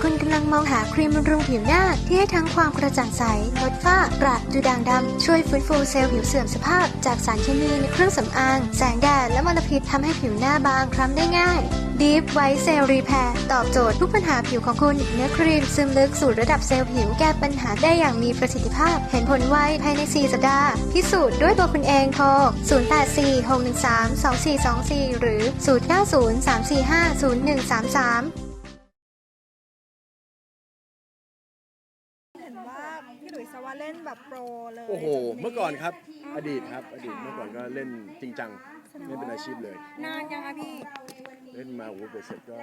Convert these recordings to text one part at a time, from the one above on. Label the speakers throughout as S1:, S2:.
S1: คุณกำลังมองหาครีมบำรุงผิวหน้าที่ให้ทั้งความกระจ่างใสลดฝ้ากระดูด่างดำช่วยฟื้นฟูเซลล์ผิวเสื่อมสภาพจากสารเคมีในเครื่องสำอางแสงแดดและมลพิษทำให้ผิวหน้าบางคล้ำได้ง่าย Deep White Cell Repair ตอบโจทย์ทุกปัญหาผิวของคุณเนื้อครีมซึมลึกสู่ระดับเซลล์ผิวแก้ปัญหาได้อย่างมีประสิทธิภาพเห็นผลไวภายใน 4 สัปดาห์พิสูจน์ด้วยตัวคุณเองโทร 0846132424 หรือ 0903450133
S2: เห็นว่าพี่หลุยส์ว่าเล่นแบบโปรเลย
S3: โอ้โห เมื่อก่อนครับ อดีตเมื่อก่อนก็เล่นจริงจังเล่นเป็นอาชีพเลย
S2: นานยังคะพี่
S3: เล่นมาโอ้โหเบ็ดเสร็จก็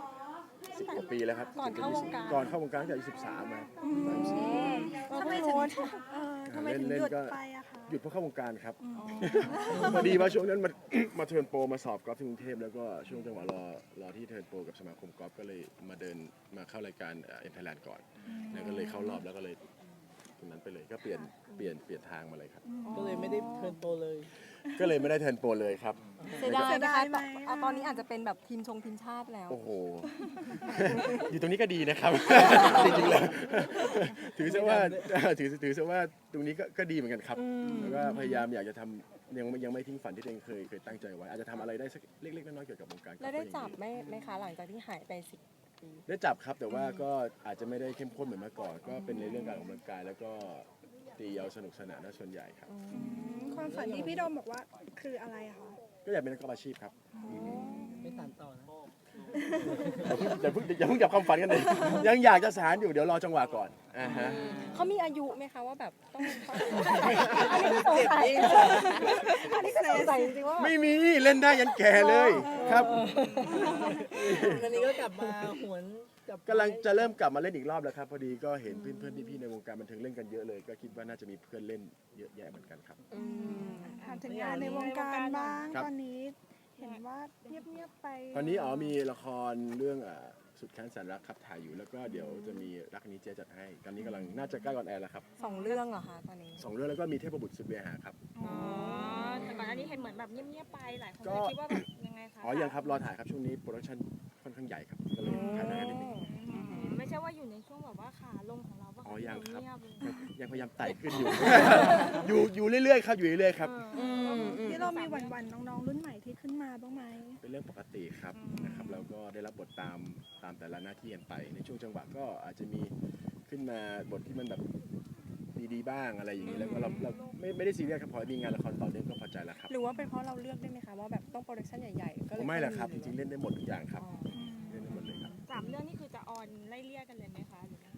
S3: 10 กว่าปีแล้วครับ
S2: ก่อนเข้าวงการ
S3: ก่อนเข้าวงการตั้งแต่อายุ13มา
S2: ทำไมถึงทำไมถึงหยุดไปอะคะ
S3: หยุดเพราะเข้าวงการครับพอดีว่าช่วงนั้นมาเทิร์นโปรมาสอบกอล์ฟที่กรุงเทพแล้วก็ช่วงจังหวะรอที่เทิร์นโปรกับสมาคมกอล์ฟก็เลยมาเข้ารายการเอ็นไทยแลนด์ก่อนแล้วก็เลยเข้ารอบแล้วก็เลยตรงนั้นไปเลยก็เปลี่ยนทางมาเลยครับ
S4: ก็เลยไม่ได้เทิร์นโปรเลย
S3: ก็เลยไม่ได้เทิร์นโปรเลยครับ
S5: เสียดายนะคะตอนนี้อาจจะเป็นแบบทีมชาติแล้ว
S3: โอ้โห อยู่ตรงนี้ก็ดีนะครับ จริงๆแล้วถือซะว่าตรงนี้ก็ดีเหมือนกันครับแล้วก็พยายามอยากจะทำยังไม่ทิ้งฝันที่ตัวเองเคยตั้งใจไว้อาจจะทำอะไรได้สักเล็กๆน้อยๆเกี่ยวกับวงการ
S5: แล้วได้จับไหมคะหลังจากที่หายไป10 ปี
S3: ได้จับครับแต่ว่าก็อาจจะไม่ได้เข้มข้นเหมือนเมื่อก่อน ก็เป็นในเรื่องการออกกำลังกายแล้วก็ตีเอาสนุกสนานส่วนใหญ่ครับ
S2: ความฝันที่พี่โดมบอกว่าคืออะไรอะคะ
S3: ก็อยากเป็นนักกอล์ฟอาชีพครับ
S4: ไม่สานต่อนะ
S3: อย่าเพิ่งจับความฝันกันเลยยังอยากจะสานอยู่เดี๋ยวรอจังหวะก่อนฮะ
S5: เขามีอายุไหมคะว่าแบบต้องอันนี้ก็สงสัยจริงๆว่า
S3: ไม่มีเล่นได้ยันแก่เลยครับ
S4: วันนี้ก็กลับมาหวนกับ
S3: กำลังจะเริ่มกลับมาเล่นอีกรอบแล้วครับพอดีก็เห็นเพื่อนๆพี่ๆในวงการบันเทิงเล่นกันเยอะเลย ก็คิดว่าน่าจะมีเพื่อนเล่นเยอะแยะเหมือนกันครับ
S2: ถามถึงงานในวงการบ้าง
S3: ครับ
S2: ตอนนี้เห็นว่าเงียบๆไป
S3: ตอนนี้มีละครเรื่องสุดแค้นแสนรักครับถ่ายอยู่แล้วก็เดี๋ยวจะมีรักนี้เจ๊จัดให้ตอนนี้กำลังน่าจะใกล้ออนแอร์แล้วครับ
S5: 2 เรื่องเหรอคะตอนนี้
S3: 2 เรื่องแล้วก็มีเทพบุตรสุดเวหาครับ
S6: แต่ก่อนหน้านี้เห็นเหมือนแบบเงียบๆไปหลายคน
S3: ก็
S6: เลยคิดว่าแบบยังไงคะ
S3: ยังครับรอถ่ายครับช่วงนี้โปรดักชั่นค่อนข้างใหญ่ครับก็เลยถ่ายนานกันนิดนึง
S6: ไม่ใช่ว่าอยู่ในช่วงแบบว่าขาลงของเราว่า
S3: ยังครับ
S6: เงียบเลย
S3: ยังพยายามไต่ขึ้นอยู่ อยู่เรื่อยๆครับอยู่เรื่อยๆครับ
S2: ที่เรามีหวั่นๆน้องๆรุ่นใหม่ที่ขึ้นมาบ้างไหม
S3: เป็นเรื่องปกติครับนะครับแล้วก็ได้รับบทตามแต่ละหน้าที่กันไป ในช่วงจังหวะก็อาจจะมีขึ้นมาบทที่มันแบบดีๆบ้างอะไรอย่างนี้แล้วก็เราไม่ได้ซีเรียสครับพอมีงานละครต่อเนื่องก็พอใจแล้วครับ
S5: หรือว่าเป็นเพราะเราเลือกได้ไหมคะว่าแบบต้องโปรดักชั่นใหญ่ๆก็เลย
S3: ไม่แหละครับจริงๆเล่นได้หมดทุกอย่างครับ
S5: อ๋อ
S3: เล่นได้หมดเลยครับ
S6: 3 เรื่องนี่คือจะออนไล่เลี่ยกันเลยไหมคะหรือว่า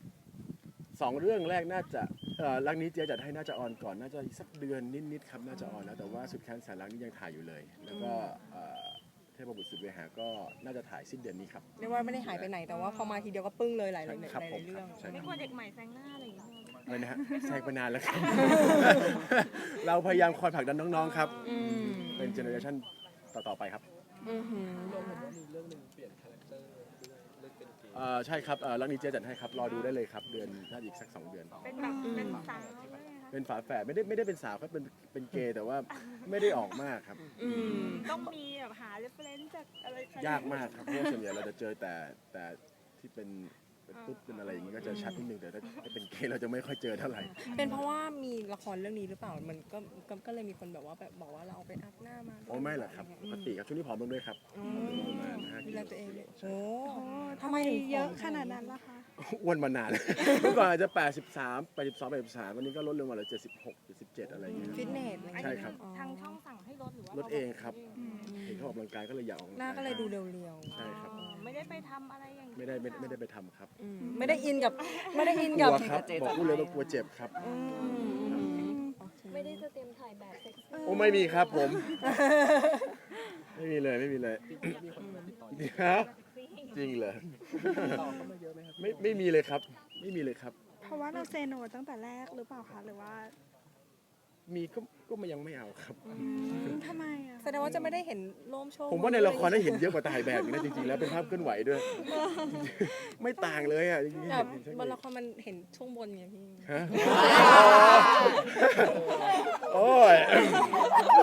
S3: 2 เรื่องแรกน่าจะรักนี้เจ๊จัดให้น่าจะออนก่อนน่าจะอีกสักเดือนนิดๆครับน่าจะออนแล้วแต่ว่าสุดแค้นแสนรักนี่ยังถ่ายอยู่เลย แล้วก็เทพบุตรสุดเวหาก็น่าจะถ่ายสิ้นเดือนนี้ครับ
S5: เรียกว่าไม่ได้หายไปไหนแต่ว่าพอมาทีเดียวก็ปึ้งเลยหลาย
S3: ครับผม
S5: เรื่อง
S3: ใช่
S6: ไม่กลัวเด็กใหม่แซงหน้าอะไรอย่างเงี้ย
S3: อะไรนะฮะแซงไปนานแล้วครับ เราพยายามคอยผลักดันน้องๆครับ เป็นเจเนอเรชันต่อๆไปครับ
S4: รวมถึงว่ามีเรื่องหนึ่งเปลี่ยนคาแรคเตอร์เล่นเป็นเกม
S3: ใช่ครับรักนี้เจ๊จัดให้ครับรอดูได้เลยครับเดือนน่าจะอีกสัก2 เดือน
S6: เป็นแบบเป็นสาวเลยคะ
S3: เป็นฝาแฝดไม่ได้เป็นสาวครับเป็นเกย์แต่ว่าไม่ได้ออกมากครับ
S6: ต้องมีแบบหาเรฟเฟรนซ์จากอะไร
S3: ยากมากครับเพราะว่าส่วนใหญ่เราจะเจอแต่ที่เป็นตุ๊ดเป็นอะไรอย่างนี้ก็จะชัดนิดนึงแต่ถ้าเป็นเกย์เราจะไม่ค่อยเจอเท่าไหร่
S5: เป็นเพราะว่ามีละครเรื่องนี้หรือเปล่ามันก็เลยมีคนแบบว่าแบบบอกว่าเราเอาไปอัพหน้ามา
S3: โอ้ไม่หรอกครับปกติครับช่วงนี้ผอมลงด้วยครับประมาณ5
S5: ดู
S3: กิ
S5: แล
S3: โล
S5: ตัวเองเลย
S3: ใช่
S5: โอ้
S2: ทำไมเยอะขนาดนั้นล่ะคะ
S3: อ้วนมานาน เมื่อก่อนอาจจะ83 82 83วันนี้ก็ลดลงมาเหลือ76 77อะไรอย่างเงี้ย
S5: ฟิตเนสอะไรอย่าง
S3: ใช่
S5: เงี้ย
S3: ครับ
S6: ทางช่องสั่งให้ลดหรือว่า
S3: ลดเองครับเห็นเขาออกกำลังกายก็เลยอยากออกกำลัง
S5: หน้าก
S3: าย
S5: ก็เลยดูเรียว
S3: ใช่ครับ
S6: ไม่ได้ไปทำอะไรอย่าง
S3: ไม่ได้ไปทำครับ
S5: ๆไม่ได้อินกับ
S3: กลัวครับบอกพูดเลยว่ากลัวเจ็บครับ
S5: ไม่ได้จะเตรียมถ่ายแบบเซ็กซี่
S3: โอ้ไม่มีครับผม ไม่มีเลย
S4: มีคนมาติดต่อ
S3: ฮะจริงเหรอ
S4: ต่อเข้ามาเยอะไหมครับ
S3: ไม่มีเลยครับ ไม่มีเลยครับ
S2: เพราะว่าเราเซโนตั้งแต่แรกหรือเปล่าคะหรือว่า
S3: มีก็ยังไม่เอาครับ
S2: ทำไมอะ
S5: แสดงว่าจะไม่ได้เห็นโลมโชว์
S3: ผมว่าในละครได้เห็นเยอะกว่าถ่ายแบบอีกนะจริงๆแล้วเป็นภาพเคลื่อนไหวด้วย ไม่ต่างเลยอ่ะจริงๆ
S5: แบบ
S3: เห็น
S5: บนละครมันเห็นช่วงบนไงพี่
S3: ฮะโอ้ย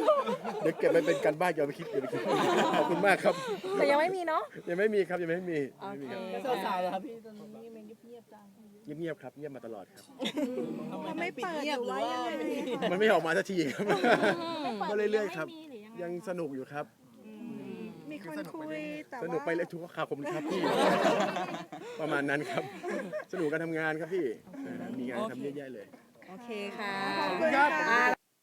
S3: เดี๋ยวเก็บไปเป็นการบ้านอย่าไปคิดขอบคุณมากครับ
S5: แต่ยังไม่มีเนาะ
S3: ยังไม่มีครับยังไม่มี
S5: โอเค
S4: แล้วสาวๆเหรอครับพี่ตอนนี้มันเงียบๆจัง
S3: เงียบๆครับเงียบมาตลอดครับ
S2: เขาไม่เปิดหรือว่ายังไง
S3: มันไม่ออกมาสักทีครับ ก็เรื่อยๆครับ
S6: ไม่มีหรือยังไง
S3: ยังสนุกอยู่ครับ
S2: มีคนคุยแต่
S3: สนุกไป
S2: ว่า
S3: เลยทุกข่าวผมครับพี่ ประมาณนั้นครับ สนุกการทำงานครับพี่มีงานทำเยอะแยะเลย
S5: โอเคค่ะ
S2: ขอบคุณค่ะ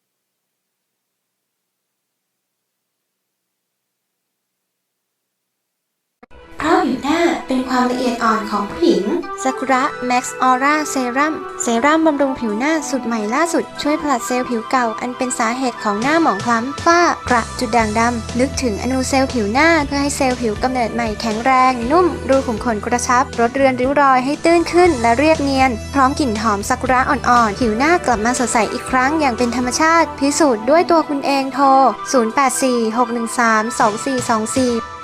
S1: เพราะผิวหน้าเป็นความละเอียดอ่อนของผู้หญิงซากุระแม็กซ์ออร่าเซรั่มบำรุงผิวหน้าสูตรใหม่ล่าสุดช่วยผลัดเซลล์ผิวเก่าอันเป็นสาเหตุของหน้าหมองคล้ำฝ้ากระจุดด่างดำลึกถึงอนูเซลล์ผิวหน้าเพื่อให้เซลล์ผิวกำเนิดใหม่แข็งแรงนุ่มรูขุมขนกระชับลดเรือนริ้วรอยให้ตื้นขึ้นและเรียบเนียนพร้อมกลิ่นหอมซากุระอ่อนๆผิวหน้ากลับมาสดใสอีกครั้งอย่างเป็นธรรมชาติพิสูจน์ด้วยตัวคุณเองโทร 0846132424